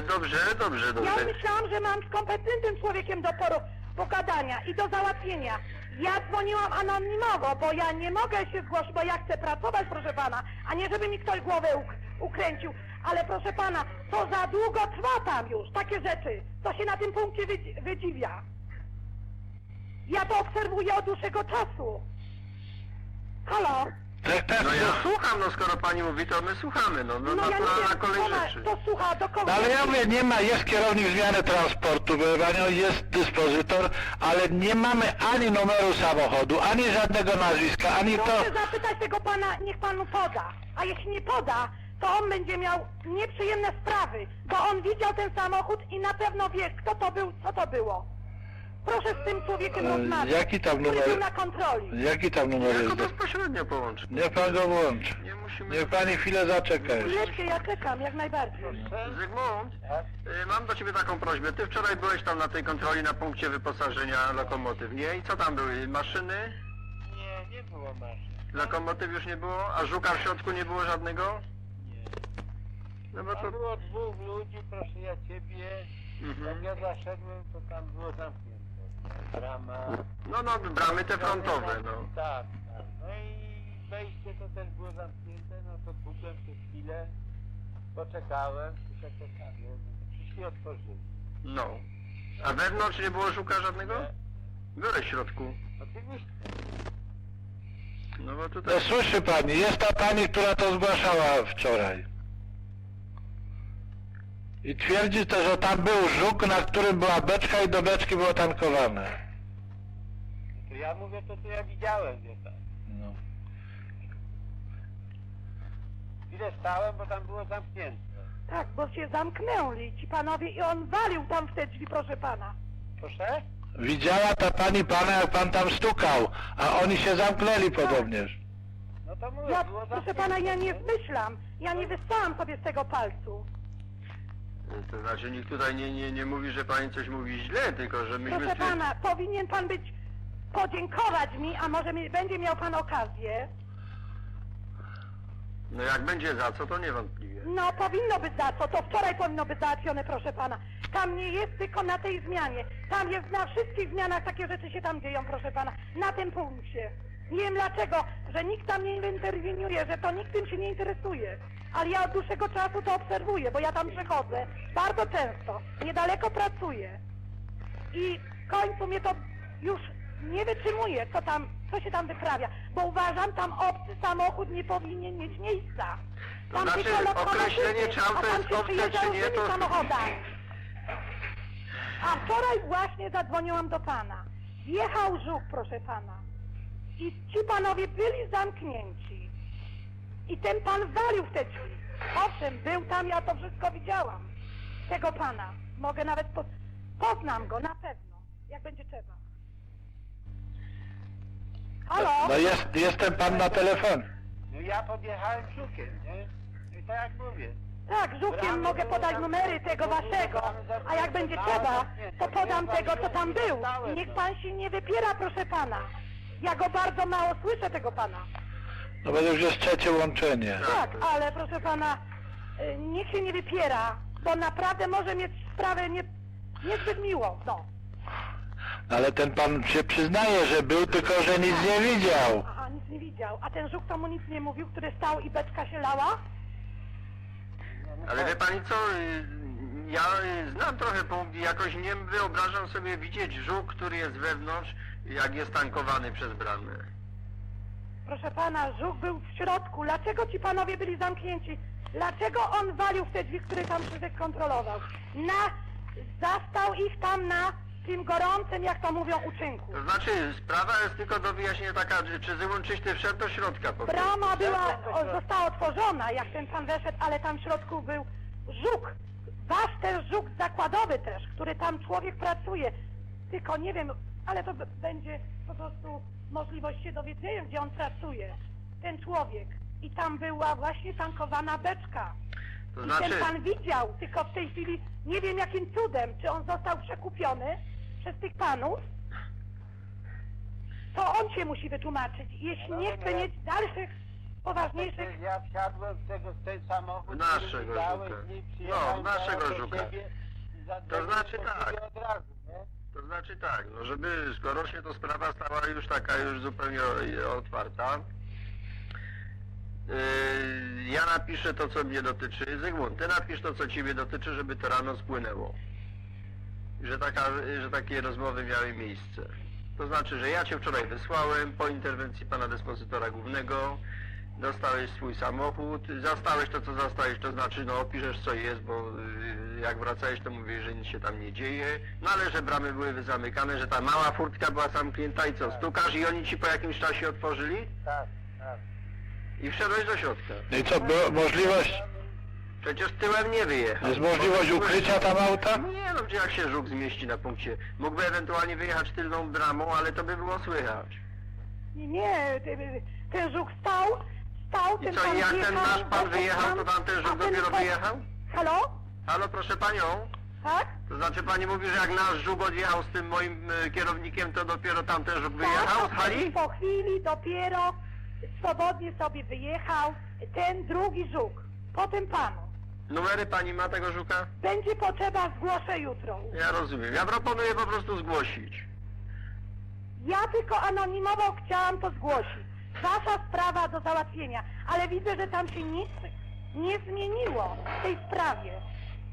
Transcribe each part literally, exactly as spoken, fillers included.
dobrze, dobrze, dobrze. Ja myślałam, że mam z kompetentnym człowiekiem do poru- pogadania i do załatwienia. Ja dzwoniłam anonimowo, bo ja nie mogę się zgłosić, bo ja chcę pracować, proszę pana, a nie żeby mi ktoś głowę uk- ukręcił. Ale proszę pana, to za długo trwa tam już, takie rzeczy. To się na tym punkcie wydzi- wydziwia. Ja to obserwuję od dłuższego czasu. Halo? Tak, tak, No ja słucham, no skoro pani mówi, to my słuchamy, no, no, No ja nie naturalna wiem, kolej ona rzeczy. to słucha do kogo? No ale ja mówię, nie ma, jest kierownik zmiany transportu, wie panią, jest dyspozytor, ale nie mamy ani numeru samochodu, ani żadnego nazwiska, ani to... Proszę zapytać tego pana, niech panu poda. A jeśli nie poda, to on będzie miał nieprzyjemne sprawy, bo on widział ten samochód i na pewno wie, kto to był, co to było. Proszę z tym człowiekiem E, rozmawiać, jaki tam który numer? był na kontroli. Jaki tam numer Jako jest? do- bezpośrednio połączy. Niech pan go włączy. Nie musimy... Niech pani chwilę zaczeka jeszcze. Chwileczkę, ja czekam, jak najbardziej. Zygmunt, y, mam do ciebie taką prośbę. Ty wczoraj byłeś tam na tej kontroli na punkcie wyposażenia lokomotyw, nie? I co tam były? Maszyny? Nie, nie było maszyn. Lokomotyw już nie było? A żuka w środku nie było żadnego? Nie. No bo Tam to... było dwóch ludzi, proszę ja ciebie. Jak Mhm. ja zaszedłem, to tam było zamknięte. Brama. No, no, bramy te frontowe, no. Tak, tak. No i wejście to też było zamknięte, no to pukłem przez chwilę, poczekałem, poczekałem, przyszli otworzyli. No. A wewnątrz nie było żuka żadnego? Nie. Byłeś w środku. Oczywiście. No bo tutaj... No słyszy pani, jest ta pani, która to zgłaszała wczoraj. I twierdzi to, że tam był żuk, na którym była beczka i do beczki było tankowane. No to ja mówię to, co ja widziałem, wie pan. No. Chwilę stałem, bo tam było zamknięte. Tak, bo się zamknęli ci panowie i on walił tam w te drzwi, proszę pana. Proszę? Widziała ta pani pana, jak pan tam stukał, a oni się zamknęli podobnież. No to mówię, Ja, było proszę zamknięte. pana, ja nie zmyślam, ja nie wystałam sobie z tego palcu. To znaczy nikt tutaj nie, nie, nie mówi, że pani coś mówi źle, tylko że myśmy... Proszę stwier- pana, powinien pan być, podziękować mi, a może mi, będzie miał pan okazję. No jak będzie za co, to niewątpliwie. No, powinno być za co, to wczoraj powinno być załatwione, proszę pana. Tam nie jest tylko na tej zmianie. Tam jest na wszystkich zmianach, takie rzeczy się tam dzieją, proszę pana. Na tym punkcie. Nie wiem dlaczego, że nikt tam nie interweniuje, że to nikt tym się nie interesuje. Ale ja od dłuższego czasu to obserwuję, bo ja tam przechodzę bardzo często. Niedaleko pracuję. I w końcu mnie to już nie wytrzymuje, co tam, co się tam wyprawia. Bo uważam, tam obcy samochód nie powinien mieć miejsca. To Tam znaczy, tylko lokomotywy, określenie, czy auto a tam jest się obce, przyjeżdża czy nie, różnymi to- samochodami. A wczoraj właśnie zadzwoniłam do pana. Wjechał żuk, proszę pana. I ci panowie byli zamknięci. I ten pan walił w te drzwi. Owszem, był tam, ja to wszystko widziałam. Tego pana. Mogę nawet po... poznam go, na pewno. Jak będzie trzeba. Halo? No jest, jestem pan na telefonie. No ja podjechałem żukiem, nie? I tak jak mówię. Tak, żukiem mogę podać numery tego waszego, a jak będzie trzeba, to podam tego, co tam był. I niech pan się nie wypiera, proszę pana. Ja go bardzo mało słyszę, tego pana. No bo już jest trzecie łączenie. Tak, ale proszę pana, y, niech się nie wypiera, bo naprawdę może mieć sprawę nie, niezbyt miłą, no. Ale ten pan się przyznaje, że był, tylko że nic nie widział. Aha, nic nie widział. A ten żuk to mu nic nie mówił, który stał i beczka się lała? Ale wie pani co, y, ja y, znam trochę punkt i jakoś nie wyobrażam sobie widzieć żuk, który jest wewnątrz, jak jest tankowany przez bramę. Proszę pana, żuk był w środku. Dlaczego ci panowie byli zamknięci? Dlaczego on walił w te drzwi, które tam Krzysiek kontrolował? Na... Zastał ich tam na tym gorącym, jak to mówią, uczynku. To znaczy, sprawa jest tylko do wyjaśnienia taka, czy, czy Zygmunt Czyśny wszedł do środka po prostu. Brama była, o, została otworzona, jak ten pan weszedł, ale tam w środku był żuk. Wasz też żuk zakładowy też, który tam człowiek pracuje. Tylko nie wiem, ale to b- będzie po prostu możliwość się dowiedzenia, gdzie on pracuje. Ten człowiek. I tam była właśnie tankowana beczka. To I znaczy, ten pan widział, tylko w tej chwili nie wiem jakim cudem, czy on został przekupiony przez tych panów. To on się musi wytłumaczyć. Jeśli nie chce mieć dalszych poważniejszych... Przecież ja wsiadłem w tego, w ten samochód, Naszego który mi dałeś, Żuka. nie No, przyjechałem naszego do Żuka. siebie i zadzwoniłem znaczy do tak. ciebie od razu, nie? To znaczy tak, no żeby, skoro się to sprawa stała już taka już zupełnie o- otwarta, yy, ja napiszę to, co mnie dotyczy. Zygmunt, ty napisz to, co ciebie dotyczy, żeby to rano spłynęło. Że, taka, że takie rozmowy miały miejsce. To znaczy, że ja cię wczoraj wysłałem po interwencji pana dyspozytora głównego, dostałeś swój samochód, zastałeś to, co zastałeś, to znaczy, no opiszesz, co jest, bo y, jak wracałeś, to mówisz, że nic się tam nie dzieje, no ale że bramy były zamykane, że ta mała furtka była zamknięta i co, stukasz i oni ci po jakimś czasie otworzyli Tak, tak. i wszedłeś do środka. No i co, była możliwość, Przecież tyłem nie wyjechał. jest możliwość ukrycia tam auta? Nie no, gdzie jak się żuk zmieści na punkcie. Mógłby ewentualnie wyjechać tylną bramą, ale to by było słychać. Nie, nie, ty- ten żuk stał, stał, I ten co, pan i jak ten wjechał, nasz pan poszedł wyjechał, tam, to tam ten a żuk ten dopiero po- wyjechał? Halo? Halo, proszę panią? Tak? To znaczy pani mówi, że jak nasz żuk odjechał z tym moim e, kierownikiem, to dopiero tamten żuk wyjechał z Tak, hali? po chwili dopiero swobodnie sobie wyjechał ten drugi żuk, po tym panu. Numery pani ma tego żuka? Będzie potrzeba, zgłoszę jutro. Ja rozumiem. Ja proponuję po prostu zgłosić. Ja tylko anonimowo chciałam to zgłosić. Wasza sprawa do załatwienia, ale widzę, że tam się nic nie zmieniło w tej sprawie.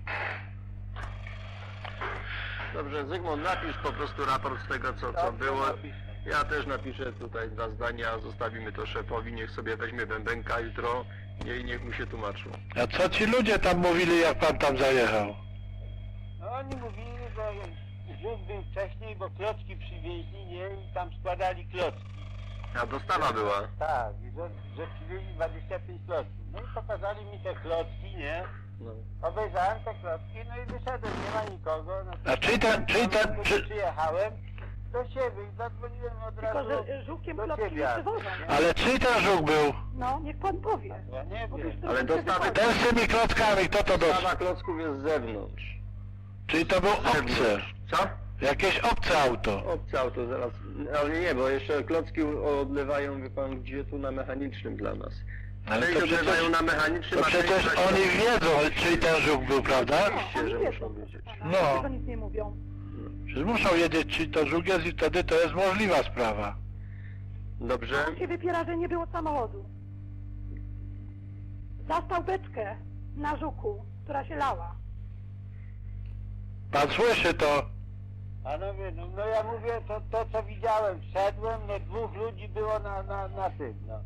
Dobrze, Zygmunt, napisz po prostu raport z tego, co, co Dobrze, było. napiszę. Ja też napiszę tutaj dwa zdania, zostawimy to szefowi, niech sobie weźmie bębenka jutro i niech mu się tłumaczą. A co ci ludzie tam mówili, jak pan tam zajechał? No oni mówili, że żuk był wcześniej, bo klocki przywieźli, nie? I tam składali klocki. A dostawa była. Tak, i że, że przywieźli dwadzieścia pięć klocków. No i pokazali mi te klocki, nie? No. Obejrzałem te klocki, no i wyszedłem, nie ma nikogo. No to A czy ten- czy ten- kiedy czy- przyjechałem do siebie i zadzwoniłem od Tylko, razu że żukiem do klocki ciebie. nie przywożą. nie? Ale czyj ten żuk był? No, niech pan powie. Ja nie Bo wiem. wiesz, to Ale się dostawy wychodzi. Ten z tymi klockami, kto to Dostawa dostał? klocków jest z zewnątrz. Czyli to był Z obcy, zewnątrz. Co? jakieś obce auto. Obce auto zaraz. Ale nie, bo jeszcze klocki odlewają, wie pan, gdzie tu na mechanicznym dla nas. Ale Część to przecież, odlewają na mechanicznym, to a część przecież na oni środku. wiedzą, czyj ten żuk był, prawda? Oczywiście, Oni że wiedzą, muszą proszę wiedzieć. pana. No. Dlaczego nic nie mówią? Przecież muszą wiedzieć, czy to żuk jest i wtedy to jest możliwa sprawa. Dobrze? On się wypiera, że nie było samochodu. Zastał beczkę na żuku, która się lała. Pan słyszy to? Panowie, no, no ja mówię to, to co widziałem, wszedłem, no dwóch ludzi było na, na, na tym, no.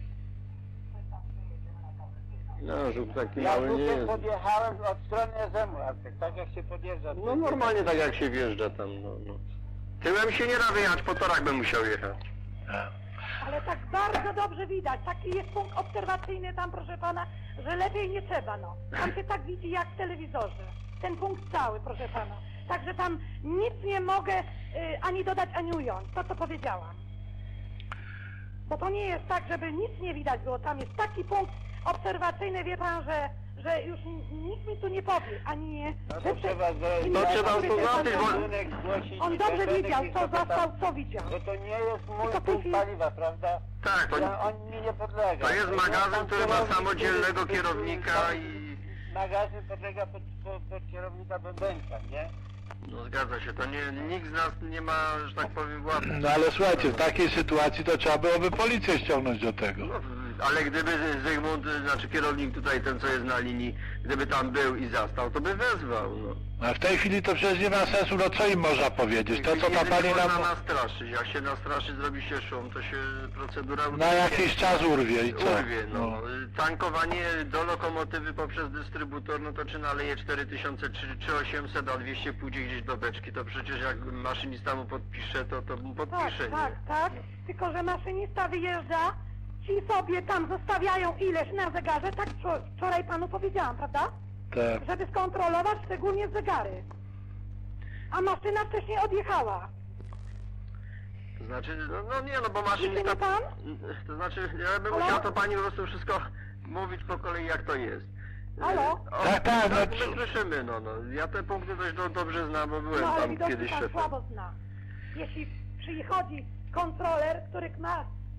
No, żuk taki Ja mały nie tutaj jest. podjechałem od strony Zemu, tak jak się podjeżdża. No normalnie tak jak się wjeżdża tam, no, no. Tyłem się nie da wyjechać, po torach bym musiał jechać. A. Ale tak bardzo dobrze widać. Taki jest punkt obserwacyjny tam, proszę pana, że lepiej nie trzeba, no. Tam się tak widzi jak w telewizorze. Ten punkt cały, proszę pana. Także tam nic nie mogę y, ani dodać, ani ująć. To, co powiedziałam. Bo to nie jest tak, żeby nic nie widać było. Tam jest taki punkt obserwacyjny, wie pan, że, że już n- nikt mi tu nie powie, ani nie... No że to prze- trzeba zrobić. To trzeba sobie zobaczyć, pan- bo- Budynek zgłosić On i dobrze będę wiedział, gdzieś co to tam- zastał, co widział. Bo to nie jest mój Tylko w tej punkt chwili- paliwa, prawda? Tak, to, Ja, on mi nie podlega. to jest Ja magazyn, tam który ma kierownik, samodzielnego który- kierownika który- i... Magazyn podlega pod, pod, pod kierownika bębenka, nie? No zgadza się, to nie, nikt z nas nie ma, że tak powiem, władzy. No ale słuchajcie, w takiej sytuacji to trzeba byłoby policję ściągnąć do tego. No, ale gdyby Zygmunt, znaczy kierownik tutaj, ten co jest na linii, gdyby tam był i zastał, to by wezwał, no. A w tej chwili to przecież nie ma sensu, no co im można powiedzieć? To co ta Jedynie pani można nam nastraszyć, jak się nastraszy, zrobi się szum, to się procedura na utrudni. jakiś czas urwie i co? Urwie, no. Tankowanie do lokomotywy poprzez dystrybutor, no to czy naleje cztery tysiące czy osiemset, a dwieście pójdzie gdzieś do beczki, to przecież jak maszynista mu podpisze, to, to mu Tak, podpisze, tak, nie? tak. Tylko, że maszynista wyjeżdża, ci sobie tam zostawiają ileś na zegarze, tak wczor- wczoraj panu powiedziałam, prawda? Tak. Żeby skontrolować szczególnie zegary. A maszyna wcześniej odjechała. To znaczy, no, no nie, no bo Widzi maszynista... mnie pan? To znaczy, ja bym Halo? musiał to pani po prostu wszystko mówić po kolei, jak to jest. Halo? O, Tak, tak, no my co- słyszymy, no, no. Ja te punkty dość do, dobrze znam, bo byłem No ale tam widocznie kiedyś pan szefem. słabo zna. Jeśli przychodzi kontroler, który ma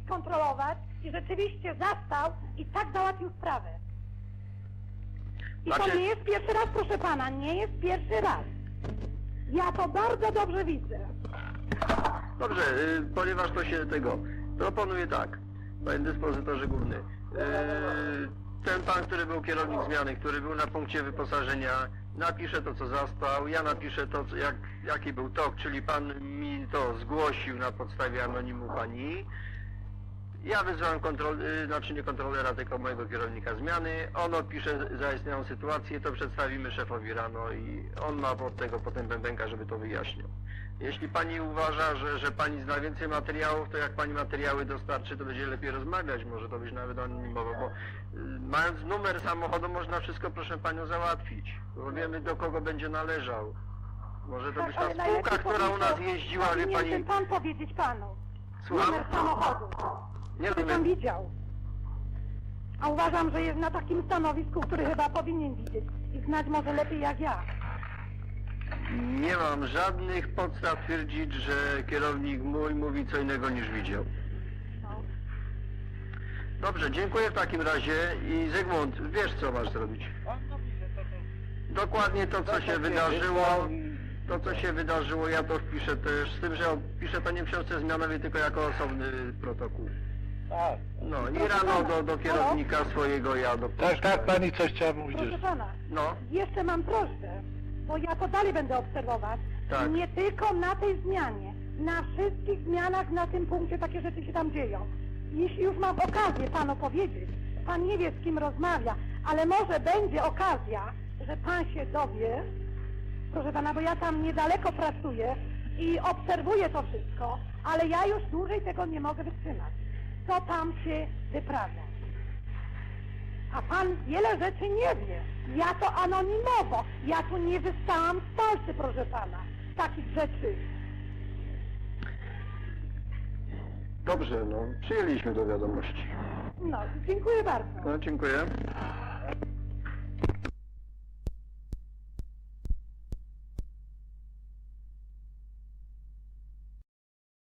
skontrolować i rzeczywiście zastał i tak załatwił sprawę. I to Znaczy- nie jest pierwszy raz, proszę pana, nie jest pierwszy raz. Ja to bardzo dobrze widzę. Dobrze, y, ponieważ to się tego... Proponuję tak, panie dyspozytorze główny. Y, ten pan, który był kierownik zmiany, który był na punkcie wyposażenia, napisze to, co zastał, ja napiszę to, co, jak, jaki był tok, czyli pan mi to zgłosił na podstawie anonimu pani. Ja wyzwałem kontrol, y, znaczy nie kontrolera, tylko mojego kierownika zmiany. On opisze zaistniałą sytuację, to przedstawimy szefowi rano i on ma od tego potem bębenka, żeby to wyjaśnił. Jeśli pani uważa, że, że pani zna więcej materiałów, to jak pani materiały dostarczy, to będzie lepiej rozmawiać, może to być nawet anonimowo, bo y, mając numer samochodu można wszystko, proszę panią, załatwić, bo wiemy, do kogo będzie należał. Może to być ta ale spółka, najlepiej która u nas powinien- jeździła, wie powinien pani... ten pan powiedzieć panu. Słucham? Numer samochodu. Nie Który pan rozumiem. widział. A uważam, że jest na takim stanowisku, który chyba powinien widzieć i znać może lepiej jak ja. Nie mam żadnych podstaw twierdzić, że kierownik mój mówi co innego niż widział. No. Dobrze, dziękuję w takim razie i Zygmunt, wiesz co masz zrobić. On mówi, że to też... Dokładnie to, co To, się co wydarzyło, wysłał i- to co się wydarzyło, ja to wpiszę też, z tym, że piszę to nie w książce zmianowej, tylko jako osobny protokół. Tak. No i rano do, do kierownika swojego ja do Tak, tak, pani coś chciała mówić. Proszę pana, No, jeszcze mam prośbę, bo ja to dalej będę obserwować. Tak. Nie tylko na tej zmianie, na wszystkich zmianach na tym punkcie takie rzeczy się tam dzieją. Jeśli już mam okazję panu powiedzieć, pan nie wie z kim rozmawia, ale może będzie okazja, że pan się dowie, proszę pana, bo ja tam niedaleko pracuję i obserwuję to wszystko, ale ja już dłużej tego nie mogę wytrzymać. Co tam się wyprawia? A pan wiele rzeczy nie wie. Ja to anonimowo. Ja tu nie wystałam z palcy, proszę pana. Takich rzeczy. dobrze, no, przyjęliśmy do wiadomości. No, dziękuję bardzo. No, dziękuję.